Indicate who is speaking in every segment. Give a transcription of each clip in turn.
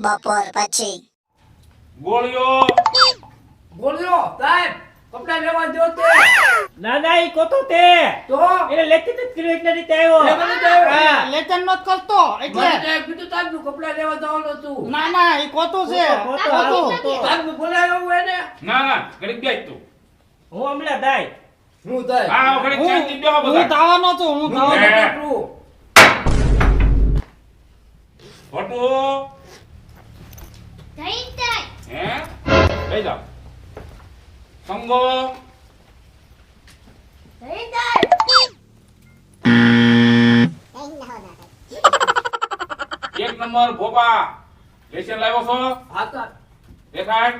Speaker 1: બપોર પછી
Speaker 2: ગોળીઓ
Speaker 3: સાહેબ કપડા લેવા દો તે
Speaker 4: ના ના ઈ કોતો તે
Speaker 3: તો
Speaker 4: એને લેતી જ કર્યું એટલે રીતે આવ્યો
Speaker 3: લેવાનું તો આવ્યો.
Speaker 4: હા.
Speaker 5: લેચન નત કરતો
Speaker 3: મને
Speaker 5: એટલે
Speaker 3: તો કીધું તાજનું કપડા લેવા જવાનું હતું
Speaker 5: ના ના એ કોતું છે
Speaker 4: કોતો,
Speaker 5: કોતું.
Speaker 4: કોતો.
Speaker 3: તાજનું બોલાયો હું એને
Speaker 2: ના ઘડીક બેસ તું
Speaker 4: હું હમણાં દાય
Speaker 3: હું થાય
Speaker 2: હા ઘડીક શાંતિ બેહો
Speaker 5: હું
Speaker 2: બધા
Speaker 5: ધાવાનો છું હું ધાવાનો
Speaker 2: હે. ભટુ હે લઈ જાઓ સંગો એક નંબર ભોપા લેશન લાવ્યો છો
Speaker 3: હા તો
Speaker 2: દેખાડ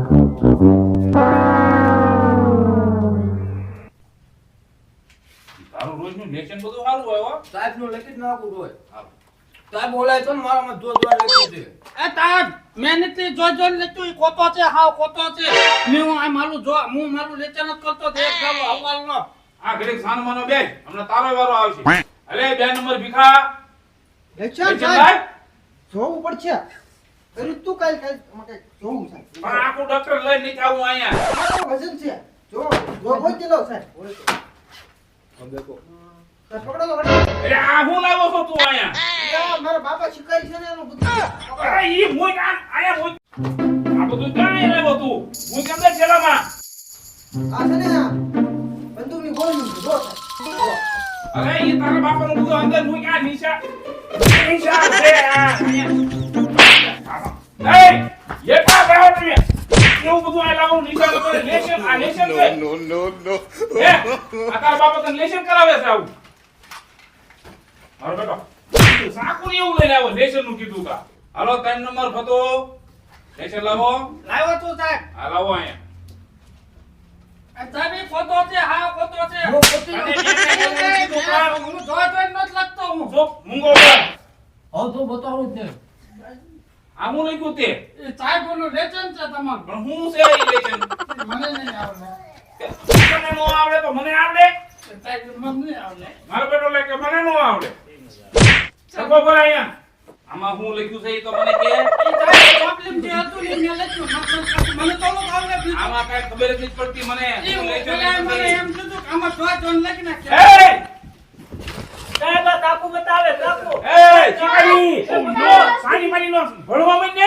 Speaker 2: તારું રોજનું લેશન બધું સારું હોય હો
Speaker 3: સાહેબનું લખી જ નાખું હોય
Speaker 2: હારું.
Speaker 3: સાહેબ બોલાય તો ને મારામાં જો લખ્યું છે
Speaker 5: એ તાર મહેનત થી જો જો લેતું ઈ કોતો છે હાવ કોતો છે મેં હું આ મારું જો હું મારું લેચન જ કરતો તે એક ગાલો હવાલ નો
Speaker 2: આ ઘડીક સાનમાનો બેસ હમણાં તારો વારો આવશે અલે 2 નંબર ભીખા લેશન લાય
Speaker 6: જોવું પડશે અરે તું કાલ માટે જોવું સાહેબ
Speaker 2: પણ આખું ડોક્ટર લઈ નહીં આવું અહીંયા
Speaker 6: મારું વજન છે જો હોય તે લો સાહેબ હોય તો. સાહેબ, પકડો તો પકડો.
Speaker 2: અરે આ હું લાવ્યો છો તું અહીંયા
Speaker 6: યા, મારા બાપા શીખવાય છે ને એનું બધું
Speaker 2: અરે ઈ મોય આયા મોય આ બધું કાંઈ લાવ્યો તું હું કેમ દે છેલામાં
Speaker 6: આ છે ને આ બંદૂકની ગોળીનું છે, જો સાહેબ.
Speaker 2: અરે ઈ તારા બાપાનું બધું અંદર મોય આ નિશા છે આ અહીંયા. એ યકા બેહો તમે એવું બધું આ લાવું નિશા કરે લેશન આ લેશન છે નો હે આ તારા બાપા તને લેશન કરાવે છે આવું મારો બેટો સાકું એવું લઈને આવ્યો લેશન નું કીધું કા હાલો 3 નંબર ફતો લેશન લાવો
Speaker 5: લાવ્યો તું સાહેબ
Speaker 2: આ લાવો અહીંયા
Speaker 5: એ સાહેબ ઈ કોતો છે હાવ કોતો છે
Speaker 3: હું પોતી
Speaker 2: અને
Speaker 3: નો-
Speaker 5: હું જો જો નત લખતો હું
Speaker 2: જો મૂંગો પર
Speaker 3: હવે તો બતાવું જ નહીં
Speaker 2: આ હું લખ્યું તે
Speaker 5: એ સાહેબ નું લેચન છે તમારું
Speaker 2: પણ હું છે ઈ લેશન
Speaker 5: મને નહીં આવડે
Speaker 2: મને નો આવડે તો મને આવડે
Speaker 5: સાહેબ મને નહીં આવડે
Speaker 2: મારો બેટો લે કે મને નો આવડે સગો પર અહીંયા આમાં હું લખ્યું છે ઈ તો મને કે
Speaker 5: એ સાહેબ પ્રોબ્લેમ જે હતું ને મેં લખ્યું મને તો ન આવડે બીજું
Speaker 2: આમાં કઈ ખબર જ નથી પડતી મને
Speaker 5: એ
Speaker 2: હું લેશન
Speaker 5: પેલા મને
Speaker 2: લખ્યું
Speaker 5: એમ કીધું કે આમાં જો જો લખી નાખે
Speaker 2: છે. એ
Speaker 4: સાહેબ આ કાકુ બતાવે કાકુ
Speaker 2: એ ચીકણી નો સાની માની નો ભણવા માંડે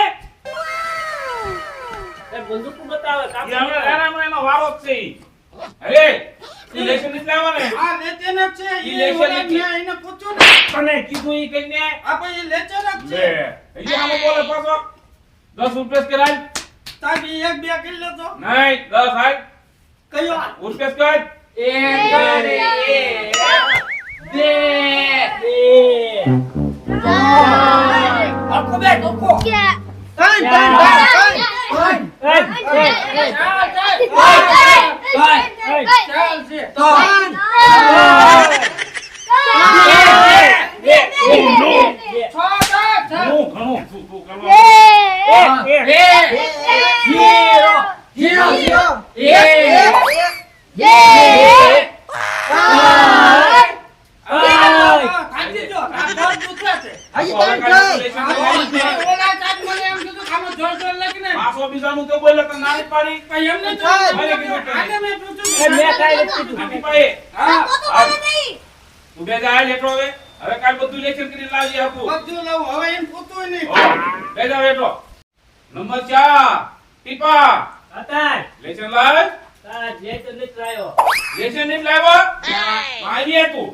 Speaker 4: સાહેબ બંદૂક બતાવે કાકુ
Speaker 2: ઈ હવે રારામાં એનો વારો જ છે ઈ. અરે ઈ લેશન નથી લાવવા ને
Speaker 5: આ લેચન જ છે
Speaker 2: ઈ
Speaker 5: એ
Speaker 2: લેચન
Speaker 5: ઓલા
Speaker 2: નથી.
Speaker 5: મેં એને પૂછ્યું ને
Speaker 2: તને કીધું ઈ કઈને
Speaker 5: આ ભાઈ એ લેચન જ
Speaker 2: લે
Speaker 5: છે
Speaker 2: ઈ આમાં બોલે પાછો 10 રૂપિયા કરાય
Speaker 5: સાહેબ ઈ એક બે કરી લેતો
Speaker 2: નહીં 10 હાલ
Speaker 5: કયો
Speaker 2: રૂપિયા કર
Speaker 3: આખો બે ડોકો
Speaker 6: ત્રણ, ત્રણ, ત્રણ, ત્રણ.
Speaker 5: ચાલ છે છ સાહેબ છ
Speaker 2: હું ઘણું તું કરવા
Speaker 3: હીરો હીરો હીરો
Speaker 5: થાકી ગયો આ બહુ દુખે છે
Speaker 6: હજી ત્રણ થઈ.
Speaker 5: ઓલા સાહેબ મને એમ કીધું કે આમાં જોર જોર લખીને
Speaker 2: પાછો બીજાનું તો બોલે તો નાની પાડી
Speaker 5: કઈ એમ નહીં
Speaker 6: સાહેબ.
Speaker 5: આને મેં
Speaker 4: એ
Speaker 5: પૂછ્યું
Speaker 4: મેં કાંઈ નથી કીધું.
Speaker 2: નાની પાડી
Speaker 5: હા
Speaker 2: તું બે જા લેટો હવે કાલ બધું લેશન કરી લાવજે હતું
Speaker 5: બધું લઉં હવે એમ પૂછવું નહીં
Speaker 2: બે જા બેઠો નંબર 4 ટીપા
Speaker 4: હતા
Speaker 2: લેશન લાવ
Speaker 4: સાહેબ જે તો નથી લાયો
Speaker 2: લેશન નહીં લાવ્યો મારી તું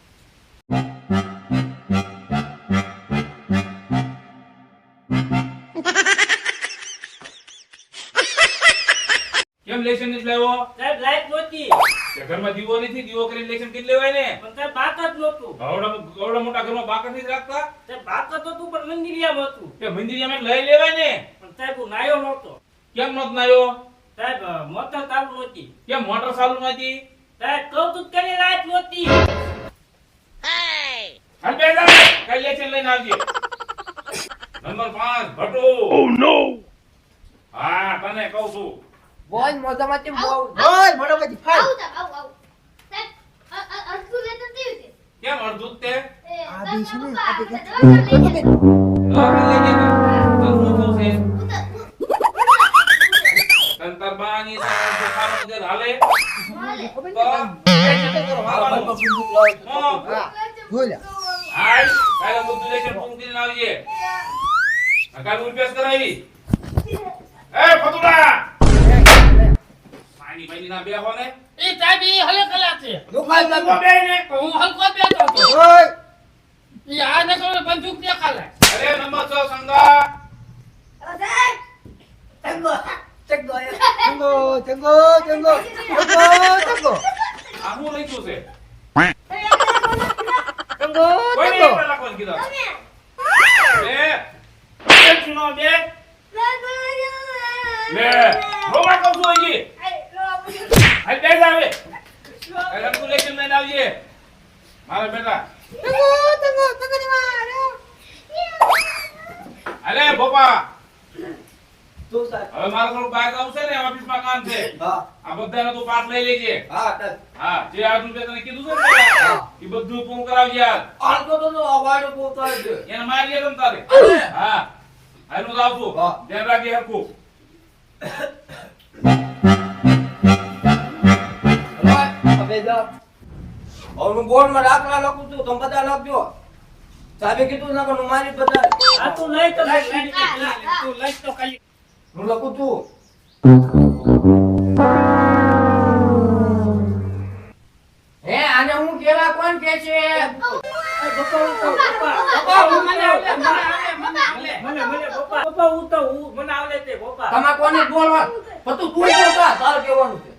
Speaker 2: કેમ લેશન નહીં લાવ્યો
Speaker 4: સાહેબ લાઈટ નહોતી
Speaker 2: તે ઘરમાં દીવો નથી દીવો કરીને લેશન કરી લેવાય ને
Speaker 4: પણ સાહેબ બાક જ નહોતું
Speaker 2: ગવડા મોટા ઘરમાં બાકર નથી રાખતા
Speaker 4: સાહેબ બાક જ હતું પણ મંદિરિયામાં હતું
Speaker 2: તે મંદિરમાં લઈ લેવાય ને
Speaker 4: પણ સાહેબ હું નાયો નહોતો
Speaker 2: કેમ નત નાયો
Speaker 4: સાહેબ મોટર ચાલુ નહોતી
Speaker 2: કેમ મોટર ચાલુ નથી
Speaker 4: સાહેબ કહું તું કેની લાઈટ નહોતી
Speaker 2: હાલ બે જા કઈ લેશન લઈને આવજે નંબર 5 ભટુ ઓ નો હા તને કહું છું
Speaker 3: બોલ મોઢામાંથી બહુ
Speaker 6: બોલ, મોઢામાંથી ફાડ.
Speaker 2: કેમ અડધું જ તે
Speaker 6: આ બી છે ને, આ બી
Speaker 2: લઈ જજે. બાપાનો જે હાલે તો
Speaker 3: ખબર
Speaker 2: એ રીતે કરો, હાલવાનું. હા.
Speaker 6: હા જોઈ લે
Speaker 2: હાલ, કાલે બધું લેશન પૂરું કરીને આવજે. આ કાલે ઉલ્પેશ કરાવી. એ ફતુડા! પાણી બાઈની ના બેહો ને.
Speaker 5: એ ચાબી હલે કલા છે
Speaker 6: દુકાન
Speaker 2: ઉભો બેહી ને.
Speaker 5: હું હલકો બેઠો હતો
Speaker 6: ઓય
Speaker 5: એ આ ને કોઈ બંદૂક દેખાલે
Speaker 2: અરે નંબર 6 સંગા.
Speaker 6: ચંગો ચંગો ચંગો ચંગો ચંગો
Speaker 2: આ હું લખ્યું છે?
Speaker 6: ચંગો
Speaker 2: કોઈ નહીં આપણે લખવાનું કીધું. બે. એક ચૂનો બે. લે. રોવા કહું છું હજી. હાલ બે જ આવે. હાલ અંકુ લેશન લઈને આવજે. મારા બેટા. અલે બોપા.
Speaker 6: તો સાહેબ
Speaker 2: હવે મારે થોડું બહાર જવું છે ને ઓફિસમાં કામ છે.
Speaker 6: હા
Speaker 2: આ બધાનો તું પાઠ લઈ લેજે.
Speaker 6: હા તક
Speaker 2: હા, જે આજનું મેં તને કીધું છે ને પેલા, એ બધું પૂરું કરાવજે આજ.
Speaker 6: આલકો તો અવાજ બોલતા છે
Speaker 2: એને મારીએ તમ તારે. હા. હાલું જાવ છું.
Speaker 6: હા.
Speaker 2: ધ્યાન રાખજે હરખું.
Speaker 6: હવે જા હું બોર્ડમાં દાખલા લખું છું તમે બધા લખજો સાહેબે કીધું ના હું મારી બધા
Speaker 4: આ તું લઈ તો લઈ.
Speaker 5: તું લઈ તો ખાલી
Speaker 6: હું લખું છું હે આને હું કેવા કોણ કે છે
Speaker 5: પપ્પા હું મને આવડે મને આવડે
Speaker 4: મને પપ્પા પપ્પા હું તો હું મને આવડે તે પપ્પા.
Speaker 6: તમારે કોને બોલવા પણ તું બોલતા તાર કહેવાનું છે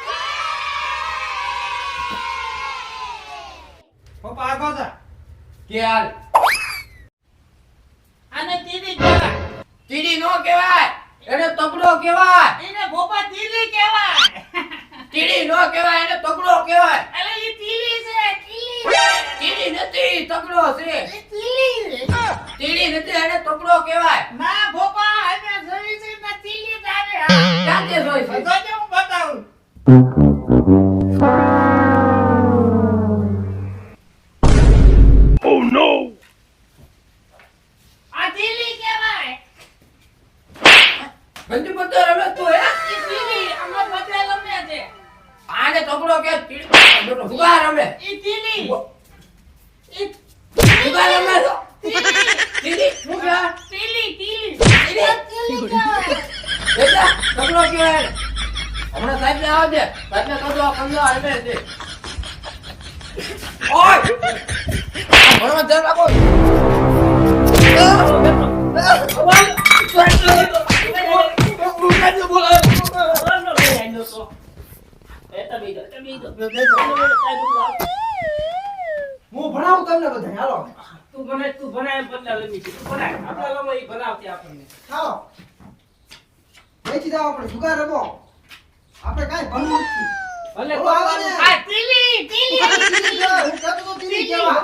Speaker 5: પપ્પા આગળ જા
Speaker 6: કે હાલ
Speaker 5: આને તીડી કહેવાય
Speaker 6: તીડી નો કહેવાય એને તગડો કહેવાય
Speaker 5: એને પપ્પા તીડી કહેવાય
Speaker 6: તીડી નો કહેવાય એને તગડો કહેવાય
Speaker 5: અરે એ તીડી છે
Speaker 6: તીડી નથી તગડો છે
Speaker 5: તીડી
Speaker 6: તીડી નથી એને તગડો કહેવાય
Speaker 5: ના પપ્પા અમે જોઈ છે ના તીડી તારે
Speaker 6: ક્યાંથી જોઈ છે
Speaker 5: તો હું બતાવું આ તીડી કહેવાય
Speaker 6: બંધુ પત્તો રમે તું હે
Speaker 5: એ તીડી અમે બધે ગમે છે
Speaker 6: આને તગડો કે તીડી ઉગા રમે
Speaker 5: એ તીડી એ
Speaker 6: ઉગા રમે તો તીડી ઉગા
Speaker 5: તીડી
Speaker 6: બેટા તગડો કહેવાય એને. હમણાં સાહેબ ને આવો દે સાહેબ ને કહો આ કંદો આવે છે ઓય ભણવા ધ્યાન રાખો હું ભણાવું તમને બધા હાલો
Speaker 4: તું ભણાય એમ બદલા લઈ તું ભણાય આપણા લોકો ઈ ભણાવતી આપણને.
Speaker 6: હાલો વેચી દાવ આપણે જુગાર રમો આપણે કાઈ ભણવું નથી
Speaker 4: ભલે
Speaker 6: બોલો, આવો ને.
Speaker 5: આ તીડી તીડી
Speaker 6: હું કહેતો તો તીડી કેવા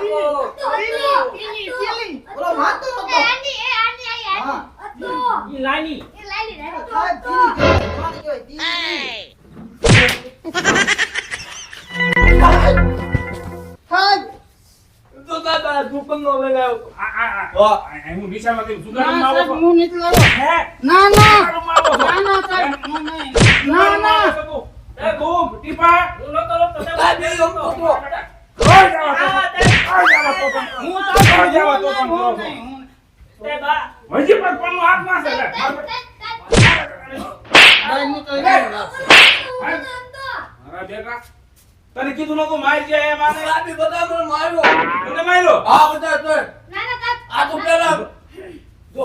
Speaker 6: બોલો વાત તો નતો હા
Speaker 4: ઈ લાની
Speaker 6: સાહેબ તીડી કહેવાય કોને કહેવાય તીડી સાહેબ
Speaker 4: તો દાદા દુકાનનો લગાવ.
Speaker 2: હું નિશાળમાંથી
Speaker 5: ના
Speaker 2: સુધારવામાં
Speaker 5: સાહેબ
Speaker 2: આવો છો.
Speaker 5: હું નથી લાવો
Speaker 2: હે?
Speaker 5: ના ના
Speaker 2: સુધારવામાં આવો છો.
Speaker 5: ના ના સાહેબ હું નહીં ના
Speaker 2: સુધારવામાં
Speaker 5: ના
Speaker 2: આવો છો તું. એ તું, ટીપા.
Speaker 4: હું નતો રોકતો
Speaker 6: સાહેબ એ રમતો હતો.
Speaker 2: રોજ આવા તો પણ.
Speaker 5: હું તો
Speaker 2: રોજ આવા તો પણ.
Speaker 5: હું નહીં હું
Speaker 4: તે બા
Speaker 2: હજી પણ કોઈનું હાથ ના છે લે.
Speaker 5: નહીં હું તો નહીં
Speaker 2: મારા બેટા, તને કીધું નતું મારી જાય એમ આને.
Speaker 6: સાહેબ બધા મને માર્યો
Speaker 2: તને માર્યો?
Speaker 6: હા બધા તો આ તો પેલા જો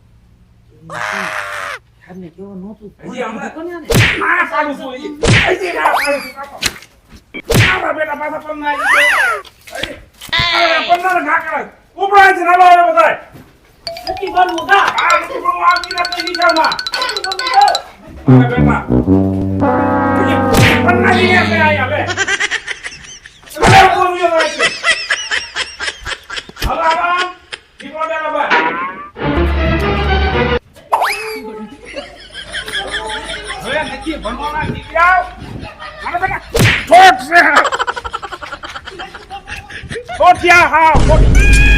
Speaker 2: હજી હમણાં આ પાડું છું હજી. હજી આ પાડું છું કાકો. મારા બેટા પાછા પન્ના આવી ગયા. હજી. આ પન્નાને ઘા કરાય. ઉપડાય છે નાલો આવે બધાય.
Speaker 4: નથી બનવું ગા.
Speaker 2: આ બધું પણ આવી નથી નિશાળમાં. મારા બેટા. હજી પન્ના લઈ ગયા છે અહીંયા લે. અરે બોલ્યો હોય છે. હવે આરામ. દીકરો બેટા ભાઈ. હવે નથી ભણવાના દીકરા. મારા બેટા ઠોઠ છે. ઠોઠિયા હા ઠોઠ.